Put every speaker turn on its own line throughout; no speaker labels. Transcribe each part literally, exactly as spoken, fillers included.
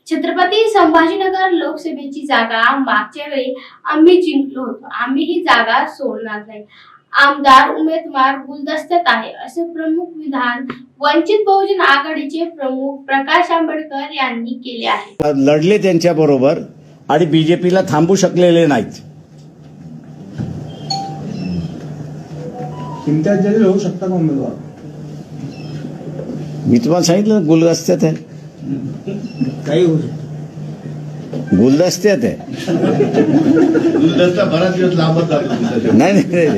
छत्रपती संभाजीनगर लोकसभेची जागा मागच्या वेळी आम्ही जिंकलो होतो. आम्ही ही जागा सोडणार नाही. आमदार उमेदवार गुलदस्त्यात आहे असे प्रमुख विधान वंचित बहुजन आघाडीचे प्रमुख प्रकाश आंबेडकर यांनी केले आहे.
लढले त्यांच्या बरोबर आणि बीजेपीला थांबू शकलेले नाहीत.
इम्तियाज जलील होऊ शकता का उमेदवार?
मी तुम्हाला सांगितलं गुलदस्त्यात आहे.
काही होऊ शकतं.
गुलदस्त्यात आहे.
गुलदस्ता बराच दिवस लांबच लागतो.
नाही नाही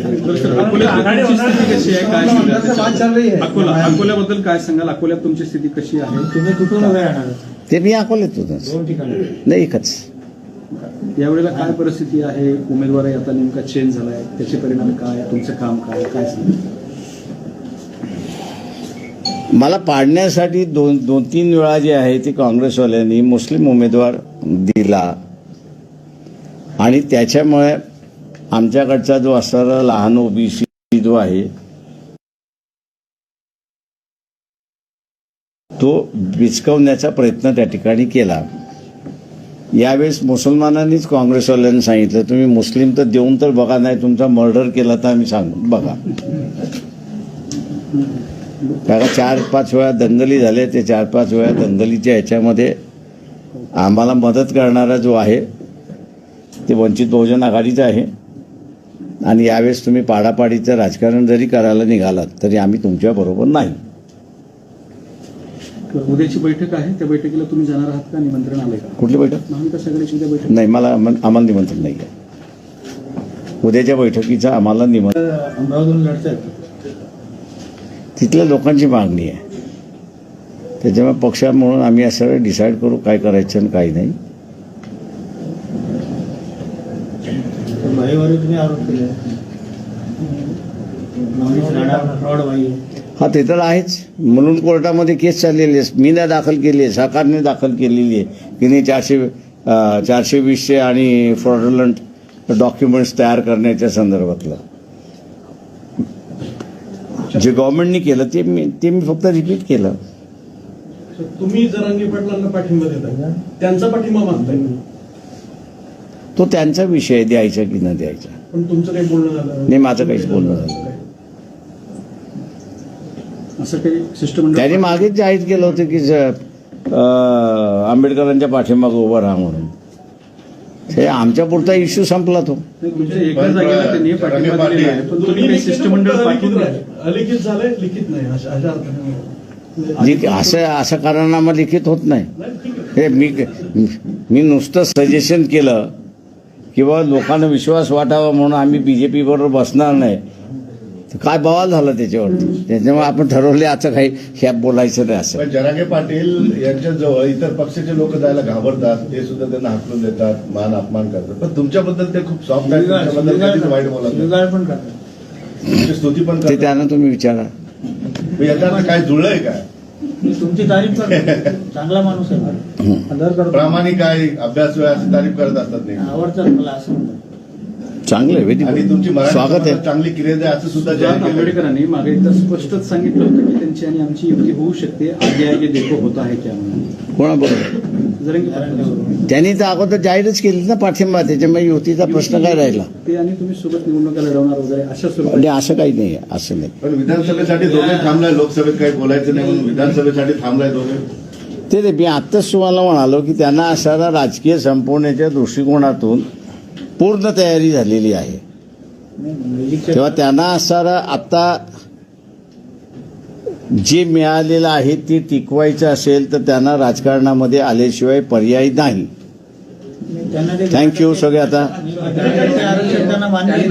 अकोल्याबद्दल काय सांगाल? अकोल्यात तुमची स्थिती कशी आहे?
तुम्ही कुठून उभे राहणार?
ते मी अकोल्यात होतो.
दोन ठिकाणी
नाही एकच.
यावेळेला काय परिस्थिती आहे? उमेदवार आता नेमका चेंज झालाय, त्याचे परिणाम काय? तुमचं काम काय काय सांगाल?
मला पाडण्यासाठी दोन दोन तीन वेळा जे आहे ते काँग्रेसवाल्यांनी मुस्लिम उमेदवार दिला आणि त्याच्यामुळे आमच्याकडचा जो असणारा लहान ओबीसी जो आहे तो विचकवण्याचा प्रयत्न त्या ठिकाणी केला. यावेळेस मुसलमानांनीच काँग्रेसवाल्यांनी सांगितलं तुम्ही मुस्लिम तर देऊन तर बघा, नाही तुमचा मर्डर केला तर आम्ही सांगू बघा. कारण चार पाच वेळा दंगली झाल्या. ते चार पाच वेळा दंगलीच्या ह्याच्यामध्ये आम्हाला मदत करणारा जो आहे ते वंचित बहुजन आघाडीचा आहे. आणि यावेळेस तुम्ही पाडापाडीचं राजकारण जरी करायला निघालात तरी आम्ही तुमच्याबरोबर नाही.
उद्याची बैठक आहे, त्या बैठकीला तुम्ही जाणार आहात का? निमंत्रण आलंय का?
कुठली बैठक?
महाविकास आघाडीची उद्या बैठक
नाही, मला आम्हाला निमंत्रण नाही आहे. उद्याच्या बैठकीचं आम्हाला निमंत्रण
अमरावतीहून लढतायत.
तिथल्या लोकांची मागणी आहे. त्याच्यामुळे पक्ष म्हणून आम्ही असं डिसाईड करू काय करायचं आणि काही नाही.
भाईवर तुम्ही आरोप केले फ्रॉड भाई.
हा ते तर आहेच. म्हणून कोर्टामध्ये केस चाललेली आहे. मी नाही दाखल केली आहे, सरकारने दाखल केलेली आहे की नाही चारशे चारशे वीसशे आणि फ्रॉडलंट डॉक्युमेंट्स तयार करण्याच्या संदर्भातलं जे गव्हर्नमेंटनी केलं ते मी ते मी फक्त रिपीट केलं.
तुम्ही जरांगे पाटलांना पाठिंबा देता, त्यांचा पाठिंबा मागताय,
तो त्यांचा विषय द्यायचा की न द्यायचा.
पण तुमचं काही बोलणं झालं
नाही, माझं काहीच बोलणं झालं.
असं काही शिष्टमंडळ
त्यांनी मागेच जाहीर केलं होतं की आंबेडकरांच्या पाठीमागं उभं राहा म्हणून. हे आमच्या पुरता इश्यू संपला तो.
तुमच्या एका जागेला त्यांनी पाठिंबा दिलेला आहे, पण तुम्ही काही शिष्टमंडळ पाठवून
अलिखित झालंय, लिखित नाही अशा अशा अर्थाने.
लिख- असं असं कारणामा लिखित होत नाही. हे मी मी नुसतं सजेशन केलं किंवा लोकांना विश्वास वाटावा म्हणून आम्ही बीजेपी बरोबर बसणार नाही. तर काय बवाल झाला त्याच्यावरती. त्याच्यामुळे आपण ठरवले असं काही ह्या बोलायचं नाही असं.
पण जरांगे पाटील यांच्या जवळ इतर पक्षाचे लोक जायला घाबरतात, ते सुद्धा त्यांना हाकलून देतात, मान अपमान करतात. पण तुमच्याबद्दल ते खूप सॉफ्ट आहेत, तुमच्याबद्दल कधीच वाईट बोलत नाही.
शिवीगाळ पण करतात.
तुमची स्तुती पण
ते
करतात.
त्यांना तुम्ही विचारा.
मग याच्या अर्थ काय जुळलंय काय?
मी तुमची तारीफ करतो. चांगला माणूस आहे. आदर करतो.
प्रामाणिक आहे, अभ्यास वेळाची तारीफ करत असतात नाही.
आवडतात मला असं म्हणतात.
चांगलं आहे,
आणि
व्हेरी
तुमची मराठी
स्वागत आहे.
समाजात चांगली क्रिया आहे असं सुद्धा जाहीर केलं.
आंबेडकरांनी मागे एकदा स्पष्टच सांगितलं होतं की त्यांची आणि आमची युती होऊ शकते. आगे आगे देखो होता है क्या म्हणून.
कोणाबरोबर?
जरांगे पाटील
त्यांनी तर अगोदर जाहीरच केली ना पाठिंबा. त्याच्यामुळे युतीचा प्रश्न काय राहिला?
ते आणि तुम्ही सोबत निवडणुका लढवणार वगैरे अशा स्वरूपात
म्हणजे असं काही नाही आहे, असं नाही.
पण विधानसभेसाठी दोघे थांबलाय, लोकसभेत काही बोलायचं नाही म्हणून विधानसभेसाठी थांबलाय दोघे.
ते ते मी आत्ताच तुम्हाला म्हणालो की त्यांना असारा राजकीय संपवण्याच्या दृष्टिकोनातून पूर्ण तयारी झालेली आहे. तेव्हा त्यांना असणारा आता जे मिळालेलं आहे ते टिकवायचं असेल तर त्यांना राजकारणामध्ये आल्याशिवाय पर्याय नाही.
त्यांना ते
थँक्यू सगळे. आता
आरक्षण त्यांना मान्य आहे.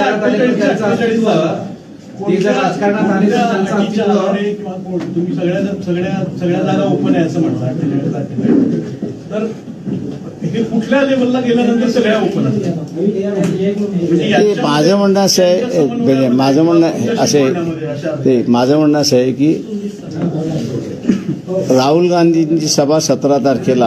ते जर राजकारणात आले तर त्यांचा आजच्या आधारे किंवा कोण- तुम्ही सगळ्या सगळ्या सगळ्या जागा ओपन आहे असं म्हणता अठ्ठेचाळीस तारखेला. तर हे कुठल्या लेवलला गेल्यानंतर सगळ्या ओपन असतात? म्हणजे
ते
याच्या-
माझं म्हणणं असं आहे, म्हणजे माझं म्हणणं असं आहे ते माझं म्हणणं असं आहे की राहुल गांधींची सभा सतरा तारखेला